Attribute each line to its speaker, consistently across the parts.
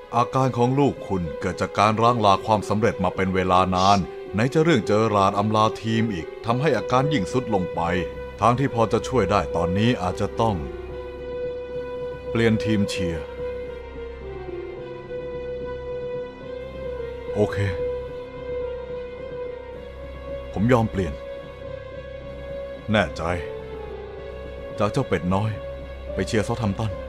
Speaker 1: อาการของลูกคุณเกิดจากการร่างลาความสำเร็จมาเป็นเวลานานไหนจะเรื่องเจอราร์ดอำลาทีมอีกทำให้อาการยิ่งทรุดลงไปทางที่พอจะช่วยได้ตอนนี้อาจจะต้องเปลี่ยนทีมเชียร์โอเคผมยอมเปลี่ยนแน่ใจจากเจ้าเป็ดน้อยไปเชียร์เซาท์แฮมป์ตัน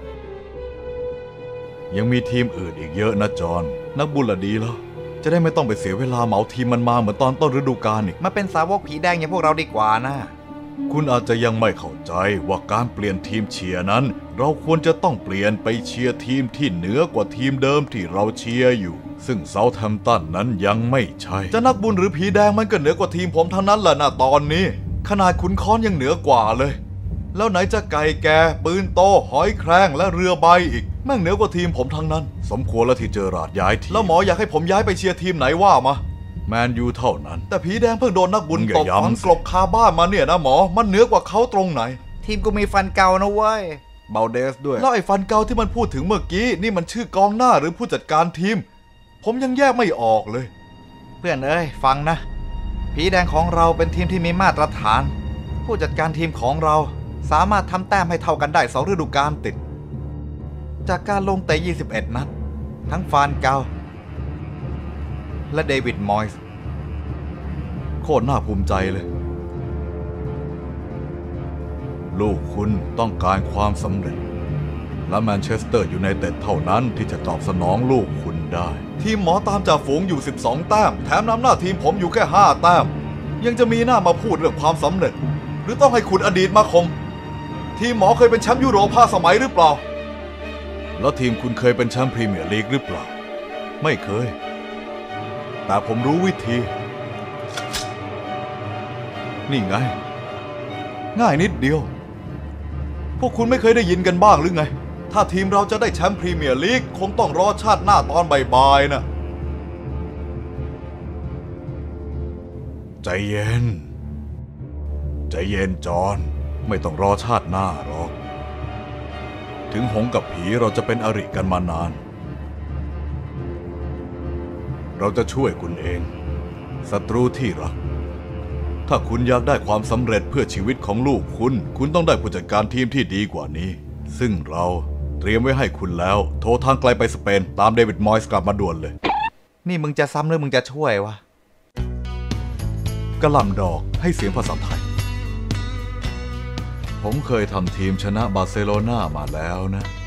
Speaker 1: ยังมีทีมอื่นอีกเยอะนะจอห์นนักบุญละดีแล้วจะได้ไม่ต้องไปเสียเวลาเหมาทีมมันมาเหมือนตอนต้นฤดูกาลอีก
Speaker 2: มาเป็นสาวกผีแดงอย่างพวกเราดีกว่านะ
Speaker 1: คุณอาจจะยังไม่เข้าใจว่าการเปลี่ยนทีมเชียร์นั้นเราควรจะต้องเปลี่ยนไปเชียร์ทีมที่เหนือกว่าทีมเดิมที่เราเชียร์อยู่ซึ่งเซาท์แฮมป์ตันนั้นยังไม่ใช่จะนักบุญหรือผีแดงมันก็เหนือกว่าทีมผมทั้งนั้นแหละนะตอนนี้ขนาดขุนค้อนยังเหนือกว่าเลยแล้วไหนจะไก่แก่ปืนโตหอยแครงและเรือใบอีกแม่งเหนือกว่าทีมผมทั้งนั้นสมควรแล้วที่เจอราร์ดย้ายทีมแล้วหมออยากให้ผมย้ายไปเชียร์ทีมไหนว่ามาแมนยูเท่านั้นแต่ผีแดงเพิ่งโดนนักบุญตบฝังกลบคาบ้านมาเนี่ยนะหมอมันเหนือกว่าเขาตรงไหน
Speaker 2: ทีมกูมีฟันเก่านะเว้ยเบลเดสด้วย
Speaker 1: แล้วไอ้ฟันเก่าที่มันพูดถึงเมื่อกี้นี่มันชื่อกองหน้าหรือผู้จัดการทีมผมยังแยกไม่ออกเลย
Speaker 2: เพื่อนเอ้ยฟังนะผีแดงของเราเป็นทีมที่มีมาตรฐานผู้จัดการทีมของเราสามารถทำแต้มให้เท่ากันได้2ฤดูกาลติดจากการลงเตะ21นัดทั้งฟานเกาและเดวิดมอยส์
Speaker 1: โคตรน่าภูมิใจเลยลูกคุณต้องการความสำเร็จและแมนเชสเตอร์ยูไนเต็ดเท่านั้นที่จะตอบสนองลูกคุณได้ทีมหมอตามจ่าฝูงอยู่12แต้มแถมนำหน้าทีมผมอยู่แค่5แต้มยังจะมีหน้ามาพูดเรื่องความสำเร็จหรือต้องให้คุณอดีตมาคมทีมหมอเคยเป็นแชมป์ยุโรป5 สมัยหรือเปล่าแล้วทีมคุณเคยเป็นแชมป์พรีเมียร์ลีกหรือเปล่าไม่เคยแต่ผมรู้วิธีนี่ไงง่ายนิดเดียวพวกคุณไม่เคยได้ยินกันบ้างหรือไงถ้าทีมเราจะได้แชมป์พรีเมียร์ลีกคงต้องรอชาติหน้าตอนบ่ายๆนะใจเย็นใจเย็นจอห์นไม่ต้องรอชาติหน้าหรอกถึงหงส์กับผีเราจะเป็นอริกันมานานเราจะช่วยคุณเองศัตรูที่รักถ้าคุณอยากได้ความสำเร็จเพื่อชีวิตของลูกคุณต้องได้ผู้จัดการทีมที่ดีกว่านี้ซึ่งเราเตรียมไว้ให้คุณแล้วโทรทางไกลไปสเปนตามเดวิดมอยส์กลับมาด่วนเลย
Speaker 2: นี่มึงจะซ้ำหรือมึงจะช่วยวะ
Speaker 1: กระหล่ำดอกให้เสียงภาษาไทยผมเคยทำทีมชนะบาร์เซโลนามาแล้วนะ